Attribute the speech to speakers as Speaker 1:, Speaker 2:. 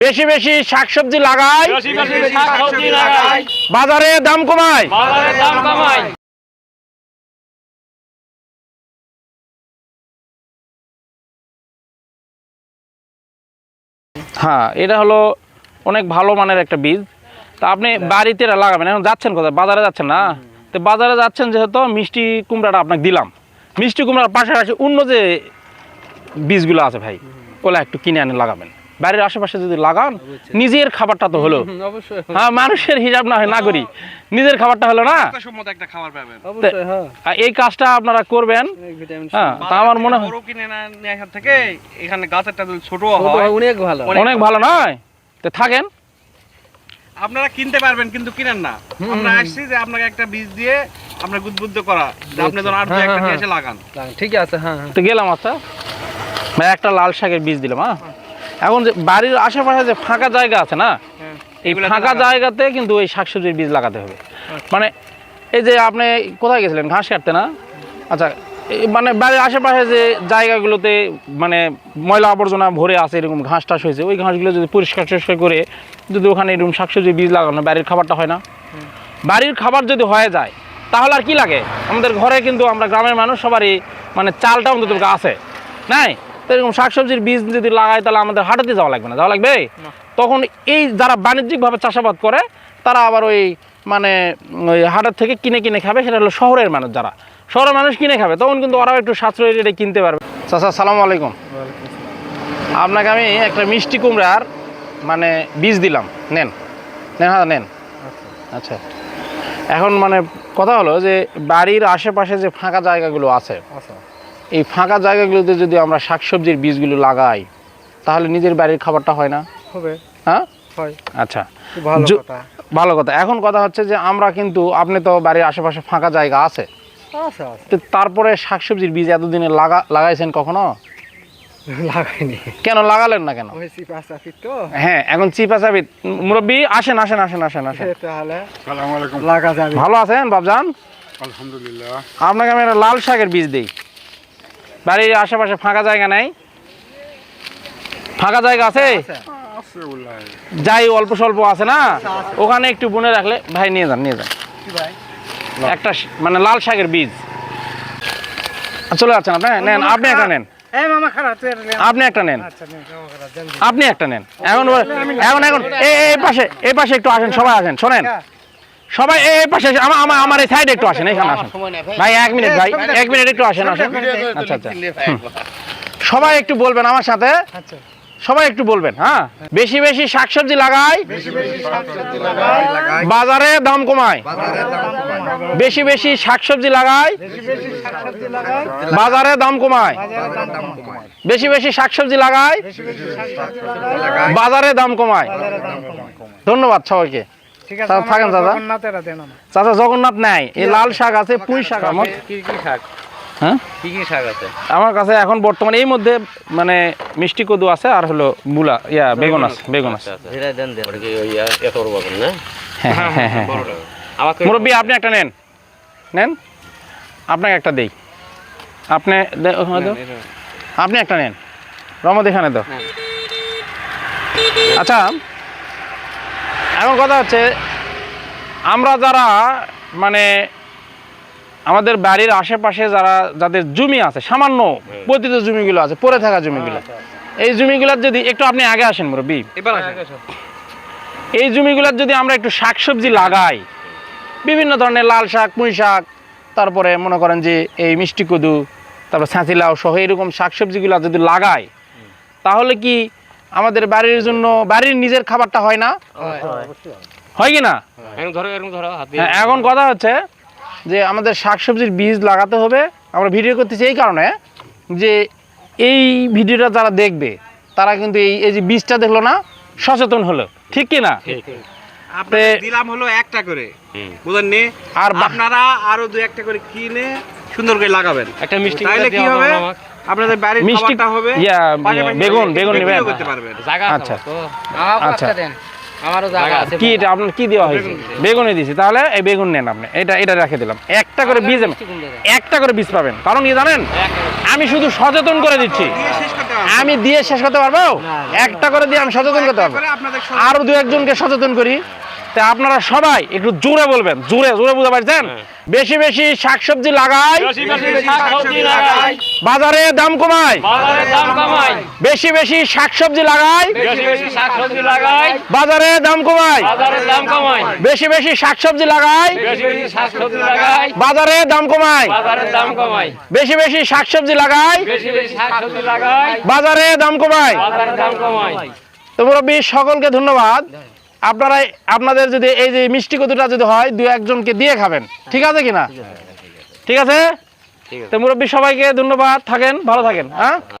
Speaker 1: বেশি বেশি শাকসবজি লাগাই, বাজারে দাম কমাই। হ্যাঁ, এটা হলো অনেক ভালো মানের একটা বীজ। তা আপনি বাড়িতে লাগাবেন। এখন যাচ্ছেন কোথায়? বাজারে যাচ্ছেন না? তো বাজারে যাচ্ছেন যেহেতু মিষ্টি কুমড়াটা আপনাকে দিলাম। মিষ্টি কুমড়ার পাশাপাশি অন্য যে বীজগুলো আছে ভাই, ওগুলো একটু কিনে আনে লাগাবেন। বাড়ির আশেপাশে যদি লাগান, নিজের খাবারটা তো হলো। হ্যাঁ, মানুষের হিসাব না হয় না করি, নিজের খাবারটা হলো না। এই কাজটা আপনারা করবেন। হ্যাঁ, তা আমার মনে হয় অনেক ভালো নয় তো থাকেন।
Speaker 2: আপনারা কিনতে পারবেন কিন্তু কিনেন না। আমরা আসছি যে আপনাকে একটা বীজ দিয়ে আমরা উদ্বুদ্ধ করা যে আপনি যখন আর দুই একটা নিয়ে এসে লাগান।
Speaker 3: ঠিক আছে। হ্যাঁ,
Speaker 1: তো গেলাম। আচ্ছা ভাই, একটা লাল শাকের বীজ দিলাম। হ্যাঁ, এখন যে বাড়ির আশেপাশে যে ফাঁকা জায়গা আছে না, এই ফাঁকা জায়গাতে কিন্তু ওই শাকসবজির বীজ লাগাতে হবে। মানে এই যে আপনি কোথায় গেছিলেন ঘাস কাটতে না? আচ্ছা, মানে বাড়ির আশেপাশে যে জায়গাগুলোতে মানে ময়লা আবর্জনা ভরে আছে, এরকম ঘাস টাস হয়েছে, ওই ঘাসগুলো যদি পরিষ্কার টরিষ্কার করে যদি ওখানে এরকম শাকসবজির বীজ লাগানো, বাড়ির খাবারটা হয় না? বাড়ির খাবার যদি হয়ে যায় তাহলে আর কি লাগে? আমাদের ঘরে কিন্তু আমরা গ্রামের মানুষ সবারই মানে চালটা অন্তত আছে নাই? তো এরকম শাকসবজির বীজ যদি লাগাই তাহলে আমাদের হাটাতে যাওয়া লাগবে না, যাওয়া লাগবে। তখন এই যারা বাণিজ্যিকভাবে চাষাবাদ করে তারা আবার ওই মানে ওই হাটের থেকে কিনে কিনে খাবে। সেটা হলো শহরের মানুষ, যারা শহরের মানুষ কিনে খাবে তখন কিন্তু ওরাও একটু সাশ্রয়ী রেটে কিনতে পারবে। চাচা আসসালামু আলাইকুম। আপনাকে আমি একটা মিষ্টি কুমড়ার মানে বীজ দিলাম, নেন নেন। হ্যাঁ নেন। আচ্ছা, এখন মানে কথা হলো যে বাড়ির আশেপাশে যে ফাঁকা জায়গাগুলো আছে, এই ফাঁকা জায়গাগুলোতে যদি আমরা শাকসবজির বীজগুলো লাগাই তাহলে নিজের বাড়ির খাবারটা হয় না? হবে। হ্যাঁ, হয়। আচ্ছা, ভালো কথা। এখন কথা হচ্ছে যে আমরা কিন্তু, আপনি তো বাড়ির আশেপাশে ফাঁকা জায়গা আছে, তারপরে শাকসবজির বীজ এতদিনে লাগাইছেন কখনো? লাগাইনি। কেন লাগালেন না কেন? হ্যাঁ, এখন চিপা চাপি। মুরব্বী আসেন আসেন আসেন আসেন আসেন। ভালো আছেন বাবজান? আলহামদুলিল্লাহ। আপনাকে আমি একটা লাল শাকের বীজ দিই। বাড়ির আশেপাশে ফাঁকা জায়গা নাই? ফাঁকা জায়গা আছে? যাই অল্প স্বল্প আছে না, ওখানে একটু বুনে রাখলে। ভাই নিয়ে যান, নিয়ে যান একটা মানে লাল শাকের বীজ। চলে যাচ্ছেন আপনি? নেন, আপনি একটা নেন। আপনি একটা নেন, আপনি একটা নেন। এখন এখন এখন এই পাশে একটু আসেন, সবাই আসেন। শোনেন সবাই এই পাশে, আমার এই সাইডে একটু আসেন, এখানে আসেন ভাই। 1 মিনিট ভাই, 1 মিনিট একটু আসেন আসেন। আচ্ছা আচ্ছা, সবাই একটু বলবেন আমার সাথে, সবাই একটু বলবেন। হ্যাঁ, বেশি বেশি শাকসবজি লাগাই, বাজারে দাম কমায়। বেশি বেশি শাকসবজি লাগাই, বাজারে দাম কমায়। বেশি বেশি শাকসবজি লাগাই, বাজারে দাম কমায়। ধন্যবাদ সবাইকে। থাকেন দাদা। চাচা জগন্নাথ নেয়। এই লাল শাক আছে, পুঁই শাক। হ্যাঁ, কি কি শাক আছে আমার কাছে এখন বর্তমানে? এই মধ্যে মানে মিষ্টি কদু আছে, আর হলো মূলা, বেগুন আছে। বেগুন আছে। মুরব্বী আপনি একটা নেন, নেন। আপনাকে একটা দেই। আপনি আপনি একটা নেন। রমদ এখানে তো। আচ্ছা, এখন কথা হচ্ছে আমরা যারা মানে আমাদের বাড়ির আশেপাশে যাদের জমি আছে, সামান্য পতিত জমিগুলো আছে, পড়ে থাকা জমিগুলো, এই জমিগুলোর যদি একটু, আপনি আগে আসেন মুরব্বী, এই জমিগুলোর যদি আমরা একটু শাকসবজি লাগাই, বিভিন্ন ধরনের লাল শাক, পুঁই শাক, তারপরে মনে করেন যে এই মিষ্টি কদু, তারপর ছাঁচিলাও সহ এরকম শাকসবজিগুলো যদি লাগাই তাহলে কি আমাদের বাড়ির জন্য, বাড়ির নিজের খাবারটা হয় না? হয় কি না? এখন কথা হচ্ছে যে আমাদের শাকসবজির বীজ লাগাতে হবে। আমরা ভিডিও করতেছি এই কারণে যে এই ভিডিওটা যারা দেখবে তারা কিন্তু এই যে বীজটা দেখলো না, সচেতন হলো, ঠিক কি না?
Speaker 2: দিলাম হলো একটা করে, বুঝলেন নি? আর আপনারা আরো 2-1টা করে কিনে সুন্দর করে লাগাবেন। একটা মিষ্টি তাহলে কি হবে, আপনাদের বাড়ির খাবারটা হবে।
Speaker 1: বেগুন নেবেন? আচ্ছা আচ্ছা, আমারও জায়গা আছে। কি এটা আপনার কি দেওয়া হয়েছে? বেগুনই দিয়েছি। তাহলে এই বেগুন নেন আপনি, এটা রেখে দিলাম। 1 একটা করে বীজ একটা করে বীজ পাবেন। কারণ কি জানেন, আমি শুধু সচেতন করে দিচ্ছি, আমি দিয়ে শেষ করতে পারবো? একটা করে দিয়ে আমি সচেতন করতে পারবো, আরো দু একজনকে সচেতন করি। তা আপনারা সবাই একটু জোরে বলবেন, জোরে জোরে বুঝতে পারছেন? বেশি বেশি শাকসবজি লাগাই, বাজারে দাম কমাই, বেশি বেশি শাকসবজি লাগাই, বাজারে দাম কমাই, বেশি বেশি শাকসবজি লাগাই, বাজারে দাম কমাই, বেশি বেশি শাকসবজি লাগাই, বাজারে দাম কমাই। তো মুরব্বী সকলকে ধন্যবাদ। আপনারা আপনাদের যদি এই যে মিষ্টি কদুটা যদি হয় দু একজনকে দিয়ে খাবেন, ঠিক আছে কিনা? ঠিক আছে। তো মুরব্বী সবাইকে ধন্যবাদ, থাকেন ভালো থাকেন। হ্যাঁ।